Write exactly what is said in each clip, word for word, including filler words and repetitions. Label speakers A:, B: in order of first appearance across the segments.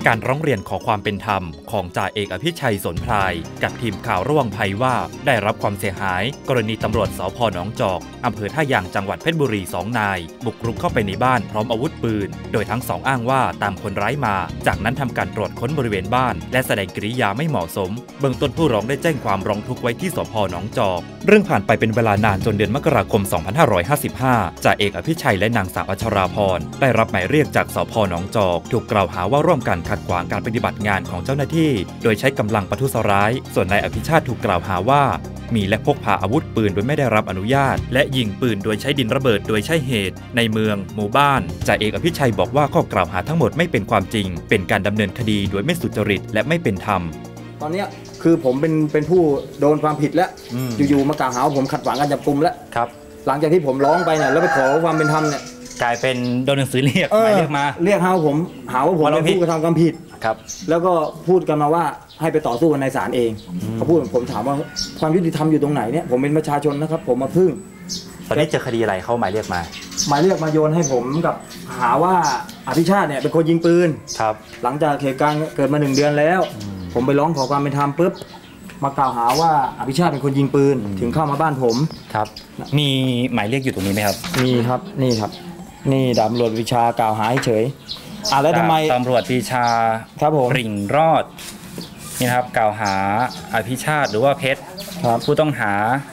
A: การร้องเรียนขอความเป็นธรรมของจ่าเอกอภิชัยสนพรายกับทีมข่าวระวังภัยว่าได้รับความเสียหายกรณีตำรวจสภ.หนองจอกอำเภอท่ายางจังหวัดเพชรบุรีสองนายบุกรุกเข้าไปในบ้านพร้อมอาวุธปืนโดยทั้งสองอ้างว่าตามคนร้ายมาจากนั้นทำการตรวจค้นบริเวณบ้านและแสดงกิริยาไม่เหมาะสมเบื้องต้นผู้ร้องได้แจ้งความร้องทุกข์ไว้ที่สภ.หนองจอกเรื่องผ่านไปเป็นเวลานานจนเดือนมกราคม สองพันห้าร้อยห้าสิบห้า จ่าเอกอภิชัยและนางสาวอัชราพรได้รับหมายเรียกจากสภ.หนองจอกถูกกล่าวหาว่าร่วมกันขัดขวางการปฏิบัติงานของเจ้าหน้าที่โดยใช้กำลังประทุษร้ายส่วนนายอภิชาติถูกกล่าวหาว่ามีและพกพาอาวุธปืนโดยไม่ได้รับอนุญาตและยิงปืนโดยใช้ดินระเบิดโดยใช่เหตุในเมืองหมู่บ้านจ่าเอกอภิชัยบอกว่าข้อกล่าวหาทั้งหมดไม่เป็นความจริงเป็นการดำเนินคดีโดยไม่สุจริตและไม่เป็นธรรม
B: ตอนนี้คือผมเป็นเป็นผู้โดนความผิดแล้วอยู่ๆมากล่าวหาว่าผมขัดขวางการจับกุมแล้วครับหลังจากที่ผมร้องไปเนี่ยแล้วไปขอความเป็นธรรมเนี่ย
A: กลายเป็นโดนหนังสือเรียกหมายเรียกมา
B: เรียกหาผมหาว่าผมเป็นผู้กระทำความผิดครับแล้วก็พูดกันมาว่าให้ไปต่อสู้กันในศาลเองเขาพูดผมถามว่าความยุติธรรมอยู่ตรงไหนเนี่ยผมเป็นประชาชนนะครับผมมาพึ่ง
A: ตอนนี้เจอคดีอะไรเขาหมายเรียกมา
B: หมายเรียกมาโยนให้ผมกับหาว่าอภิชาติเนี่ยเป็นคนยิงปืนครับหลังจากเหตุการณ์เกิดมาหนึ่งเดือนแล้วผมไปร้องขอความเป็นธรรมปุ๊บมากล่าวหาว่าอภิชาติเป็นคนยิงปืนถึงเข้ามาบ้านผม
A: ครับมีหมายเรียกอยู่ตรงนี้ไหมครับ
B: มีครับนี่ครับนี่ดาบตำรวจวิชากล่าวหาเฉยอ่ะแล้วทำไม
A: ตำรวจวิชา
B: ครับผม
A: ริ่งรอดนี่ครับกล่าวหาอภิชาติหรือว่าเพชรผู้ต้องหา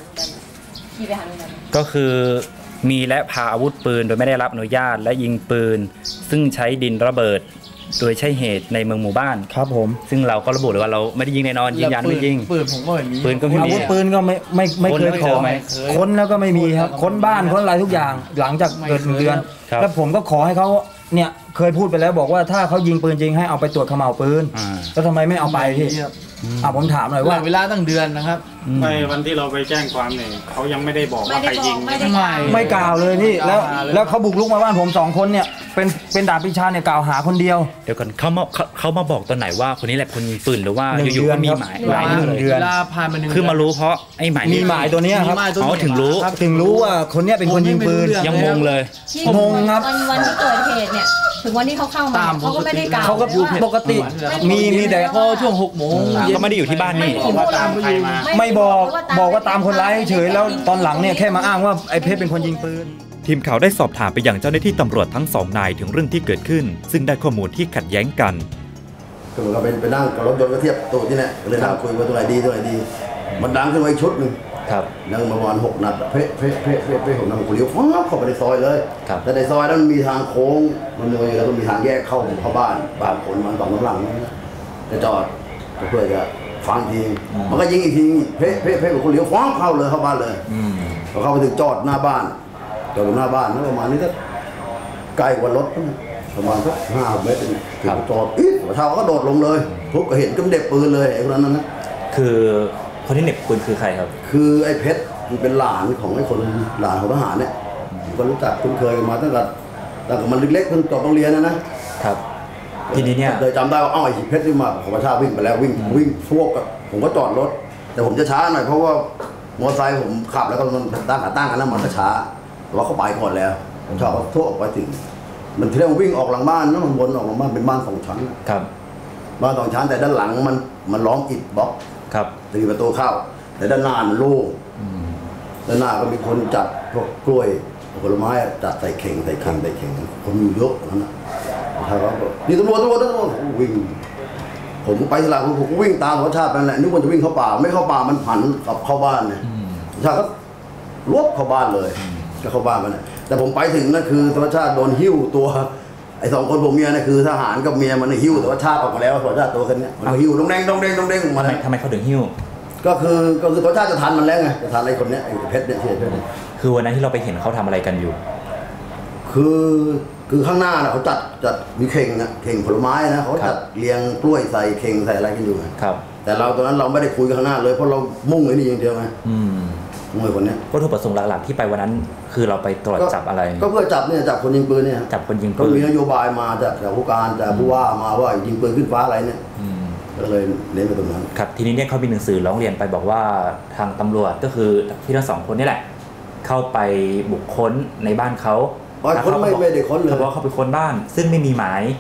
A: ก็คือมีและพาอาวุธปืนโดยไม่ได้รับอนุญาตและยิงปืนซึ่งใช้ดินระเบิดโดยใช่เหตุในเมืองหมู่บ้าน
B: ครับผม
A: ซึ่งเราก็ระบุเลยว่าเราไม่ได้ยิงแน่นอนยืนยันไม่ยิง
B: ปืนผมก็ไม่มี
A: ปืนก็ไม่มี
B: อาวุธปืนก็ไม่ไม่ไม่เคยขอค้นแล้วก็ไม่มีครับค้นบ้านค้นอะไรทุกอย่างหลังจากเกิดหนึ่งเดือนแล้วผมก็ขอให้เขาเนี่ยเคยพูดไปแล้วบอกว่าถ้าเขายิงปืนจริงให้เอาไปตรวจเขม่าปืนแล้วทำไมไม่เอาไปพี่อ่ะผมถามหน่อยว่า
C: เวลาตั้งเดือนนะครับ
D: ในวันที่เราไปแจ้งความเนี่ยเขายังไม่ได้บอกว่าใครยิง
B: ไม่ไม่กล่าวเลยนี่แล้วแล้วเขาบุกรุกมาบ้านผมสองคนเนี่ยเป็นเป็นดาบพิชาเนี่ยกล่าวหาคนเดียว
A: เดี๋ยวก่อนเขามาเขามาบอกตอนไหนว่าคนนี้แหละคนยิงปืนหรือว่าอยู่ๆก็มีหมาย
B: หมายหนึ่งเดือน
A: คือมารู้เพราะไอ้หมาย
B: มีหมายตัวนี้ครับ
A: อ๋อถึงรู้
B: ถึงรู้ว่าคนนี้เป็นคนยิงปืน
A: ยังงงเลย
B: งงครับ
E: วันที่เกิดเหตุเนี่ยถึงวันที่เขาเข้ามาเขาก็ไม่ได้กล่าว
B: เขาก็ปกติมีมีแต่
C: พอช่วงหกโมง
A: ก็ไม่ได้อยู่ที่บ้านนี่
D: ว่าตามใครมา
B: ไม่บอกบอกว่าตามคนร้ายเฉยแล้วตอนหลังเนี่ยแค่มาอ้างว่าไอ้เพชรเป็นคนยิงปืน
A: ทีมข่าวได้สอบถามไปยังเจ้าหน้าที่ตำรวจทั้งสองนายถึงเรื่องที่เกิดขึ้นซึ่งได้ข้อมูลที่ขัดแย้งกัน
F: ก็เหมือนกับเป็นไปนั่งกับรถยนต์ก็เทียบตัวที่เนี่ยเลยนั่งคุยว่าตัวไหนดีตัวไหนดีมันดังขึ้นมาอีกชุดหนึ่งนั่งมาประมาณหกนัดเพ่เพ่เพ่เพ่เพ่ผมนั่งคุยเลี้ยวฟ้าเข้าไปในซอยเลยแต่ในซอยนั้นมีทางโค้งมันเลยแล้วก็มีทางแยกเข้าเข้าบ้านบ้านคนมันสองกำลังจะจอดเพื่อจะฟังทีมันก็ยิงอีกทีเพ่เพ่เพ่ผมเลี้ยวฟ้าเข้าเลยเข้าบ้านเลยพอเข้าไปถึงจอดหน้าบ้านจอดหน้าบ้านนั่นประมาณนี้ก็ใกล้กว่ารถประมาณสักห้าเมตรถึงจอดอีกเท้าก็โดดลงเลยทุบก็เห็นก็เด็กปืนเลยไอ้คนนั้นนะ
A: คือคนที่เหน็บปืนคือใครครับ
F: คือไอ้เพชรมันเป็นหลานของไอ้คนหลานของทหารเนี่ยก็รู้จักคุ้นเคยกันมาตั้งแต่ตั้งแต่มันเล็กๆเพิ่งจบโรงเรียนนะนะครับ
A: ทีนี้เนี่ย
F: เลยจำได้ว่าอ้าวไอ้เพชรที่มาของประชาวิ่งไปแล้ววิ่งวิ่งพวกกับผมก็จอดรถแต่ผมจะช้าหน่อยเพราะว่ามอเตอร์ไซค์ผมขับแล้วก็มันตั้งขาตั้งกันแล้วมันก็ช้าแต่ว่าเขาไปก่อนแล้วผมชอบเขาทั่วออกไปถึงมันที่แรกมันวิ่งออกหลังบ้านแล้วมันวนออกหลังบ้านเป็นบ้านสองชั้น
A: ครับ
F: บ้านสองชั้นแต่ด้านหลังมันมันล้อมอิฐบล็อก
A: ครับ
F: จะมีประตูเข้าแต่ด้านหน้ามันโล่งด้านหน้าก็มีคนจัดพวกกล้วยผลไม้จัดใส่เข่งใส่เข่งใส่เข่งคนอยู่เยอะนั่นนะใช่ครับนี่ตำรวจตำรวจตำรวจวิ่งผมไปที่หลังผมวิ่งตามธรรมชาตินั่นแหละนึกว่าจะวิ่งเข้าป่าไม่เข้าป่ามันผันกลับเข้าบ้านเนี่ยใช่ครับรวบเข้าบ้านเลยก็เข้าบ้านมันนะแต่ผมไปถึงนั่นคือธรรมชาติโดนหิ้วตัวไอ้สองคนผมเมียเนี่ยคือทหารกับเมียมันหิ้วแต่ว่าชาติออกมาแล้วธรรมชาติตัวคนนี้มันหิ้วดงแดงดงแดงดงแดงมาเลย
A: ทำไมเขาถึงหิ้ว
F: ก็คือก็คือธรรมชาติจะทันมันแล้วไงจะทันไอ้คนนี้ไอ้เพชรเนี่ยเพชรเนี่ย
A: คือวันนั้นที่เราไปเห็นเขาทำอะไรกันอยู่
F: คือคือข้างหน้าน่ะเขาจัดจัดมีเข่งนะเข่งผลไม้นะเขาจัดเรียงกล้วยใส่เข่งใส่อะไรกันอยู่
A: ครับ
F: แต่เราตอนนั้นเราไม่ได้คุยกันข้างหน้าเลยเพราะเรามุ่งไอ้นี่อย่างเดียวไงมุ่งไอ้คนนี้
A: วัตถุประสงค์หลักๆที่ไปวันนั้นคือเราไปตรวจจับอะไร
F: ก็เพื่อจับเนี่ยจับคนยิงปืนเนี่ย
A: จับคนยิงปืน
F: ก็มีนโยบายมาจากจากผู้การจากผู้ว่ามาว่ายิงปืนขึ้นฟ้าอะไรเนี่ยก็เลยเน้นไปตรงนั้น
A: ครับทีนี้เนี่ยเขามีหนังสือร้องเรียนไปบอกว่าทางตำรวจก็คือพี่ทั้งสองคนนี่แหละเข้าไปบุกค้นในบ้านเขา
F: คนไม่ไม่ได้ค้นเลย
A: เขาบอกเขาไปค้นบ้านซึ่งไม่มีหมาย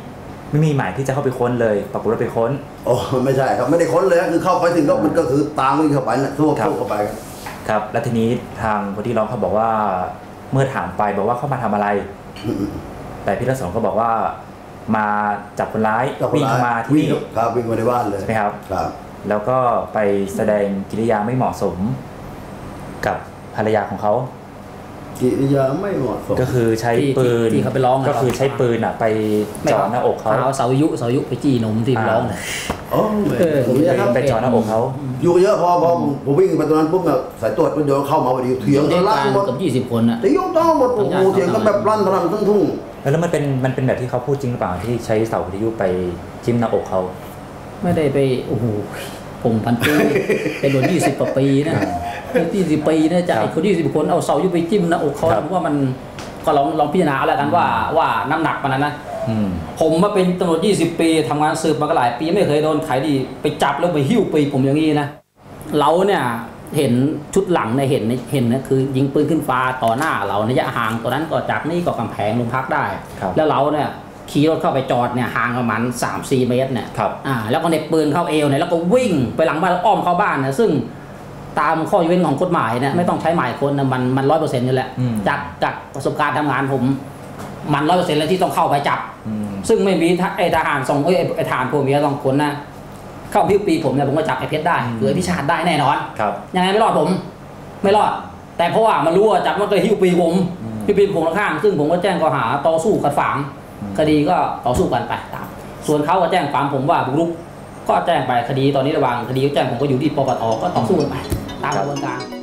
G: ไม่มีหมายที่จะเข้าไปค้นเลยปรากฏว่าไปค้น
F: โอ้ไม่ใช่ครับไม่ได้ค้นเลยคือเข้าไปถึงก็มันก็คือตามวิ่งเข้าไปนะทั่วทั่วเข้าไป
G: ครับแล้วทีนี้ทางคนที่ร้องเขาบอกว่าเมื่อถามไปบอกว่าเขามาทำอะไรแต่พี่รัศมีก็บอกว่ามาจับคนร้ายวิ่งเข้ามาที่นี่
F: ครับวิ่งมาในบ้านเลย
G: ใช่ไหมครับ
F: ครับ
G: แล้วก็ไปแสดงกิริยาไม่เหมาะสมกับภรรยาของเขา
F: กิริยาไม่เหมาะสม
G: ก็คือใช้ปืน
C: ที่เขาไปร้อง
G: ก็คือใช้ปืนอ่ะไปจ่อหน้าอกเขา
C: เอาเสายุเสายุไปจี้นมที่ร้องเลย
F: อ๋อ
G: ไปจ่อหน้าอกเขา
F: อยู่เยอะพอพอผมวิ่งไปตรงนั้นปุ๊บเนี่ยสายตรวจมันโยนเข้ามาพอดีเถียงกันลั่นหมด
C: กับยี่สิบคนอ่ะ
F: เถียงต้องหมดโอ้โหเถียงกันแบบลั่นทะลักทั้งทุ่ง
G: แล้วมันเป็นมันเป็นแบบที่เขาพูดจริงหรือเปล่าที่ใช้เสาวิทยุไปจิ้มหน้าอกเขา
C: ไม่ได้ไปโอ้โหผมพันปีเป็นโดนยี่สิบกว่าปีนะยี่สิบปีนะจากไอ้คนยี่สิบคนเอาเสายุไปจิ้มหน้าอกเขาผมว่ามันก็ลองลองพิจารณาแล้วกันว่าว่าน้ำหนักมันนะผมมาเป็นตำรวจยี่สิบปีทำงานสืบมาก็หลายปีไม่เคยโดนใครดีไปจับแล้วไปหิ้วปีผมอย่างนี้นะเราเนี่ยเห็นชุดหลังเนี่ยเห็นเห็นนะคือยิงปืนขึ้นฟ้าต่อหน้าเราระยะห่างตัวนั้นก็จากนี่ก็กำแพงโรงพักได้แล้วเราเนี่ยขี่รถเข้าไปจอดเนี่ยห่างประมาณ สามสี่ เมตรเนี่ยอ่าแล้วก็เน็บปืนเข้าเอวเนี่ยแล้วก็วิ่งไปหลังบ้านแล้วอ้อมเข้าบ้านเนี่ยซึ่งตามข้อยกเว้นของกฎหมายเนี่ยไม่ต้องใช้หมายคนนะมันมันร้อยเปอร์เซ็นต์นี่แหละจากจากประสบการณ์ทำงานผมมันร้อยเปอร์เซ็นต์เลยที่ต้องเข้าไปจับซึ่งไม่มีไอ้ทหารส่งไอ้ไอ้ทหารพวกนี้ต้องคนนะเข้าพิวปีผมเนี่ยผมก็จับไอ้เพชรได้หรือพี่ชาติได้แน่นอนยังไงไม่รอดผมไม่รอดแต่เพราะว่ามันรู้ว่าจับมันก็หิ้วปีผมหิ้วปีผมข้างซึ่งผมก็แจ้งข้อหาต่อสู้ขัดขวางคดีก็ต่อสู้กันไปตามส่วนเขาก็แจ้งความผมว่าบุกรุกก็แจ้งไปคดีตอนนี้ระหว่างคดีแจ้งผมก็อยู่ที่ปปทก็ต่อสู้กันไปตามกระบวนการ